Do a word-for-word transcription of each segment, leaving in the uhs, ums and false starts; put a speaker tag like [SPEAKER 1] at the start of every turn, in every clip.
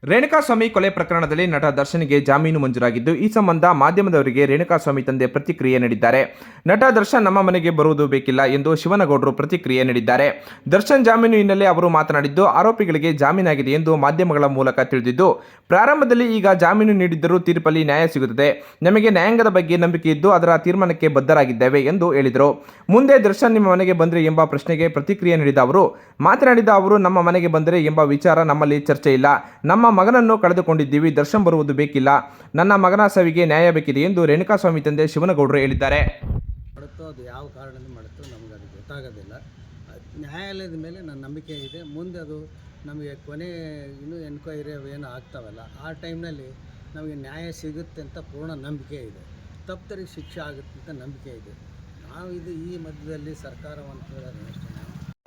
[SPEAKER 1] ರೇಣುಕಾಸ್ವಾಮಿ ಕೊಲೆ ಪ್ರಕರಣದಲ್ಲಿ ನಟ ದರ್ಶನ್ಗೆ ಜಾಮೀನು ಮಂಜೂರಾಗಿದ್ದು, ಈ ಸಂಬಂಧ ಮಾಧ್ಯಮದವರಿಗೆ ರೇಣುಕಾಸ್ವಾಮಿ ತಂದೆ ಪ್ರತಿಕ್ರಿಯೆ ನೀಡಿದ್ದಾರೆ. ನಟ ದರ್ಶನ್ ನಮ್ಮ ಮನೆಗೆ ಬರುವುದು ಬೇಕಿಲ್ಲ ಎಂದು ಶಿವನಗೌಡರು ಪ್ರತಿಕ್ರಿಯೆ ನೀಡಿದ್ದಾರೆ. ದರ್ಶನ್ ಜಾಮೀನು ಹಿನ್ನೆಲೆ ಅವರು ಮಾತನಾಡಿದ್ದು, ಆರೋಪಿಗಳಿಗೆ ಜಾಮೀನಾಗಿದೆ ಎಂದು ಮಾಧ್ಯಮಗಳ ಮೂಲಕ ತಿಳಿದಿದ್ದು, ಪ್ರಾರಂಭದಲ್ಲಿ ಈಗ ಜಾಮೀನು ನೀಡಿದ್ದರೂ ತೀರ್ಪಲ್ಲಿ ನ್ಯಾಯ ಸಿಗುತ್ತದೆ. ನಮಗೆ ನ್ಯಾಯಾಂಗದ ಬಗ್ಗೆ ನಂಬಿಕೆ ಇದ್ದು ಅದರ ತೀರ್ಮಾನಕ್ಕೆ ಬದ್ಧರಾಗಿದ್ದೇವೆ ಎಂದು ಹೇಳಿದರು. ಮುಂದೆ ದರ್ಶನ್ ನಿಮ್ಮ ಮನೆಗೆ ಬಂದರೆ ಎಂಬ ಪ್ರಶ್ನೆಗೆ ಪ್ರತಿಕ್ರಿಯೆ ನೀಡಿದ ಅವರು ಮಾತನಾಡಿದ ಅವರು ನಮ್ಮ ಮನೆಗೆ ಬಂದರೆ ಎಂಬ ವಿಚಾರ ನಮ್ಮಲ್ಲಿ ಚರ್ಚೆ ಇಲ್ಲ. ನಮ್ಮ ಮಗನನ್ನು ಕಳೆದುಕೊಂಡಿದ್ದೀವಿ. ದರ್ಶನ್ ಬರುವುದು ಬೇಕಿಲ್ಲ. ನನ್ನ ಮಗನ ಸಾವಿಗೆ ನ್ಯಾಯ ಬೇಕಿದೆ ಎಂದು ರೇಣುಕಾಸ್ವಾಮಿ ತಂದೆ ಶಿವನಗೌಡರು ಹೇಳಿದ್ದಾರೆ.
[SPEAKER 2] ಮಾಡುತ್ತೋ ಅದು ಯಾವ ಕಾರಣದಿಂದ ಮಾಡುತ್ತೋ ನಮಗೆ ಅದು ಗೊತ್ತಾಗೋದಿಲ್ಲ. ನ್ಯಾಯಾಲಯದ ಮೇಲೆ ನನ್ನ ನಂಬಿಕೆ ಇದೆ. ಮುಂದೆ ಅದು ನಮಗೆ ಕೊನೆ ಇನ್ನೂ ಎನ್ಕ್ವೈರಿ ಏನು ಆಗ್ತಾವಲ್ಲ, ಆ ಟೈಮ್ನಲ್ಲಿ ನಮಗೆ ನ್ಯಾಯ ಸಿಗುತ್ತೆ ಅಂತ ಪೂರ್ಣ ನಂಬಿಕೆ ಇದೆ. ತಪ್ಪರಿಗೆ ಶಿಕ್ಷೆ ಆಗುತ್ತೆ ಅಂತ ನಂಬಿಕೆ ಇದೆ. ನಾವು ಇದು ಈ ಮಧ್ಯದಲ್ಲಿ ಸರ್ಕಾರವನ್ನು ಕೇಳೋದು ಅಷ್ಟೇ. ನಾವು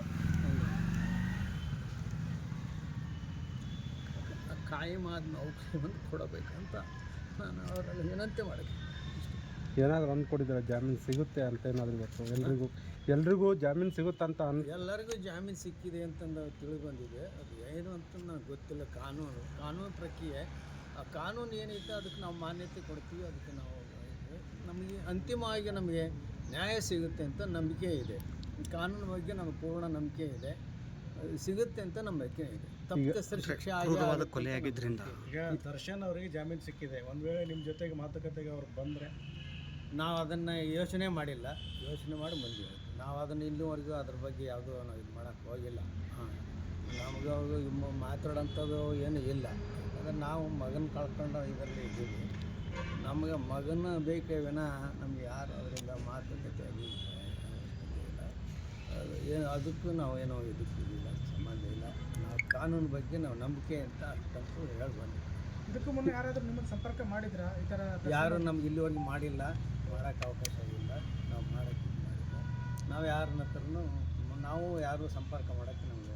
[SPEAKER 2] ಕಾಯಮಾದ ಔಷಧಿಯನ್ನು ಕೊಡಬೇಕಂತ ನಾನು ಅವರಲ್ಲಿ ವಿನಂತಿ ಮಾಡಿದ್ದೆ.
[SPEAKER 3] ಏನಾದರೂ ಅಂದ್ಕೊಟ್ಟಿದ್ದಾರೆ ಜಾಮೀನು ಸಿಗುತ್ತೆ ಅಂತ ಏನಾದರೂ ಗೊತ್ತು? ಎಲ್ರಿಗೂ ಎಲ್ರಿಗೂ ಜಾಮೀನು ಸಿಗುತ್ತಂತ ಅನ್
[SPEAKER 2] ಎಲ್ಲರಿಗೂ ಜಾಮೀನು ಸಿಕ್ಕಿದೆ ಅಂತಂದು ತಿಳಿದು ಬಂದಿದೆ. ಅದು ಏನು ಅಂತ ನನಗೆ ಗೊತ್ತಿಲ್ಲ. ಕಾನೂನು ಕಾನೂನು ಪ್ರಕ್ರಿಯೆ, ಆ ಕಾನೂನು ಏನೈತೆ ಅದಕ್ಕೆ ನಾವು ಮಾನ್ಯತೆ ಕೊಡ್ತೀವಿ. ಅದಕ್ಕೆ ನಾವು ನಮಗೆ ಅಂತಿಮವಾಗಿ ನಮಗೆ ನ್ಯಾಯ ಸಿಗುತ್ತೆ ಅಂತ ನಂಬಿಕೆ ಇದೆ. ಕಾನೂನು ಬಗ್ಗೆ ನಮಗೆ ಪೂರ್ಣ ನಂಬಿಕೆ ಇದೆ. ಸಿಗುತ್ತೆ ಅಂತ ನಂಬಿಕೆ ಇದೆ. ತಪ್ಪಿತಸ್ಥರ ಶಿಕ್ಷೆ ಆಗಿ
[SPEAKER 4] ಕೊಲೆಯಾಗಿದ್ದರಿಂದ
[SPEAKER 3] ಈಗ ದರ್ಶನ್ ಅವರಿಗೆ ಜಾಮೀನು ಸಿಕ್ಕಿದೆ. ಒಂದು ವೇಳೆ ನಿಮ್ಮ ಜೊತೆಗೆ ಮಾತುಕತೆಗೆ ಅವ್ರು ಬಂದರೆ
[SPEAKER 2] ನಾವು ಅದನ್ನು ಯೋಚನೆ ಮಾಡಿಲ್ಲ. ಯೋಚನೆ ಮಾಡಿ ಬಂದಿವಿ. ನಾವು ಅದನ್ನು ಇಲ್ಲಿವರೆಗೂ ಅದ್ರ ಬಗ್ಗೆ ಯಾವುದೂ ನಾವು ಇದು ಮಾಡೋಕ್ಕೆ ಹೋಗಿಲ್ಲ. ಹಾಂ, ನಮಗೆ ಅವರು ಮಾತಾಡೋಂಥದ್ದು ಏನು ಇಲ್ಲ. ಯಾಕಂದರೆ ನಾವು ಮಗನ ಕಳ್ಕೊಂಡು ಇದರಲ್ಲಿ ಇದ್ದೀವಿ. ನಮಗೆ ಮಗನ ಬೇಕೇ ವಿನಃ ನಮ್ಗೆ ಯಾರು ಅದರಿಂದ ಮಾತುಕತೆ ಅದು ಇಲ್ಲ. ಅದು ಏನು ಅದಕ್ಕೂ ನಾವು ಏನೋ ಇದಕ್ಕೆ ಇಲ್ಲ, ಸಂಬಂಧ ಇಲ್ಲ. ನಾವು ಕಾನೂನು ಬಗ್ಗೆ ನಾವು ನಂಬಿಕೆ ಅಂತ ಅಷ್ಟಂತೂ ಹೇಳಿ ಬಂದಿದ್ದೀವಿ.
[SPEAKER 3] ಇದಕ್ಕೂ ಮುನ್ನ ಯಾರಾದರೂ ನಿಮ್ಮನ್ನು ಸಂಪರ್ಕ ಮಾಡಿದ್ರಾ? ಈ ಥರ
[SPEAKER 2] ಯಾರು ನಮ್ಗೆ ಇಲ್ಲಿವರೆಗೆ ಮಾಡಿಲ್ಲ, ಮಾಡೋಕ್ಕೆ ಅವಕಾಶ ಇಲ್ಲ. ನಾವು ಮಾಡೋಕ್ಕೆ ಮಾಡಿಲ್ಲ. ನಾವು ಯಾರನ್ನ ಹತ್ರನೂ ನಾವು ಯಾರು ಸಂಪರ್ಕ ಮಾಡೋಕ್ಕೆ ನಮಗೆ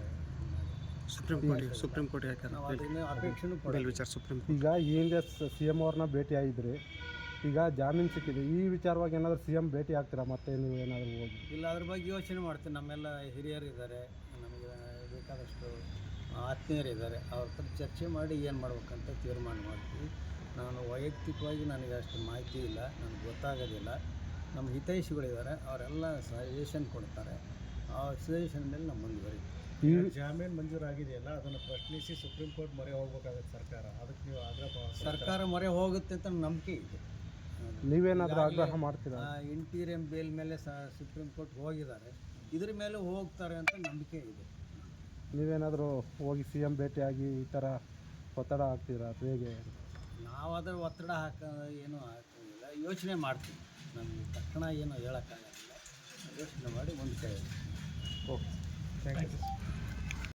[SPEAKER 4] ಸುಪ್ರೀಂ ಕೋರ್ಟ್ ಸುಪ್ರೀಂ ಕೋರ್ಟ್
[SPEAKER 2] ನಾವು ಅದನ್ನ ಅಪೇಕ್ಷೆನೂ ಪಡಲ್ಲ.
[SPEAKER 4] ವಿಚಾರ ಸುಪ್ರೀಂ
[SPEAKER 3] ಈಗ ಈ ಹಿಂದೆ ಸಿ ಎಮ್ ಅವ್ರನ್ನ ಭೇಟಿ ಆಗಿದ್ರಿ. ಈಗ ಜಾಮೀನು ಸಿಕ್ಕಿದೆ. ಈ ವಿಚಾರವಾಗಿ ಏನಾದರೂ ಸಿ ಎಮ್ ಭೇಟಿ ಆಗ್ತೀರಾ ಮತ್ತೆ ನೀವು ಏನಾದರೂ ಹೋಗಿ?
[SPEAKER 2] ಇಲ್ಲ, ಅದ್ರ ಬಗ್ಗೆ ಯೋಚನೆ ಮಾಡ್ತೀನಿ. ನಮ್ಮೆಲ್ಲ ಹಿರಿಯರು ಇದ್ದಾರೆ, ನಮಗೆ ಬೇಕಾದಷ್ಟು ಆತ್ಮೀಯರಿದ್ದಾರೆ. ಅವ್ರ ಹತ್ರ ಚರ್ಚೆ ಮಾಡಿ ಏನು ಮಾಡ್ಬೇಕಂತ ತೀರ್ಮಾನ ಮಾಡ್ತೀವಿ. ನಾನು ವೈಯಕ್ತಿಕವಾಗಿ ನನಗೆ ಅಷ್ಟು ಮಾಹಿತಿ ಇಲ್ಲ, ನನಗೆ ಗೊತ್ತಾಗೋದಿಲ್ಲ. ನಮ್ಮ ಹಿತೈಷಿಗಳಿದ್ದಾರೆ, ಅವರೆಲ್ಲ ಸಜೆಷನ್ ಕೊಡ್ತಾರೆ. ಆ ಸಜೆಷನ್ ಮೇಲೆ ನಾವು ಮುಂದುವರಿತೀವಿ.
[SPEAKER 3] ಈ ಜಾಮೀನು ಮಂಜೂರಾಗಿದೆಯಲ್ಲ, ಅದನ್ನು ಪ್ರಶ್ನಿಸಿ ಸುಪ್ರೀಂ ಕೋರ್ಟ್ ಮೊರೆ ಹೋಗ್ಬೇಕಾಗುತ್ತೆ ಸರ್ಕಾರ. ಅದಕ್ಕೆ ನೀವು ಆಗ್ರಹ
[SPEAKER 2] ಸರ್ಕಾರ ಮೊರೆ ಹೋಗುತ್ತೆ ಅಂತ ನಂಬಿಕೆ ಇದೆ.
[SPEAKER 3] ನೀವೇನಾದರೂ ಆಗ್ರಹ ಮಾಡ್ತೀರಾ?
[SPEAKER 2] ಇಂಟೀರಿಯಂ ಬೇಲ್ ಮೇಲೆ ಸ ಸುಪ್ರೀಂ ಕೋರ್ಟ್ ಹೋಗಿದ್ದಾರೆ. ಇದ್ರ ಮೇಲೆ ಹೋಗ್ತಾರೆ ಅಂತ ನಂಬಿಕೆ ಇದೆ.
[SPEAKER 3] ನೀವೇನಾದರೂ ಹೋಗಿ ಸಿ ಎಮ್ ಭೇಟಿಯಾಗಿ ಈ ಥರ ಒತ್ತಡ ಹಾಕ್ತೀರಾ? ಹೇಗೆ?
[SPEAKER 2] ನಾವು ಅದರ ಒತ್ತಡ ಹಾಕ ಏನೂ ಹಾಕೋಂಗಿಲ್ಲ. ಯೋಚನೆ ಮಾಡ್ತೀವಿ. ನಮಗೆ ತಕ್ಷಣ ಏನು ಹೇಳೋಕ್ಕಾಗೋದಿಲ್ಲ. ಯೋಚನೆ ಮಾಡಿ ಮುಂದೆ ಕೈ
[SPEAKER 3] ಓಕೆ, ಥ್ಯಾಂಕ್ ಯು.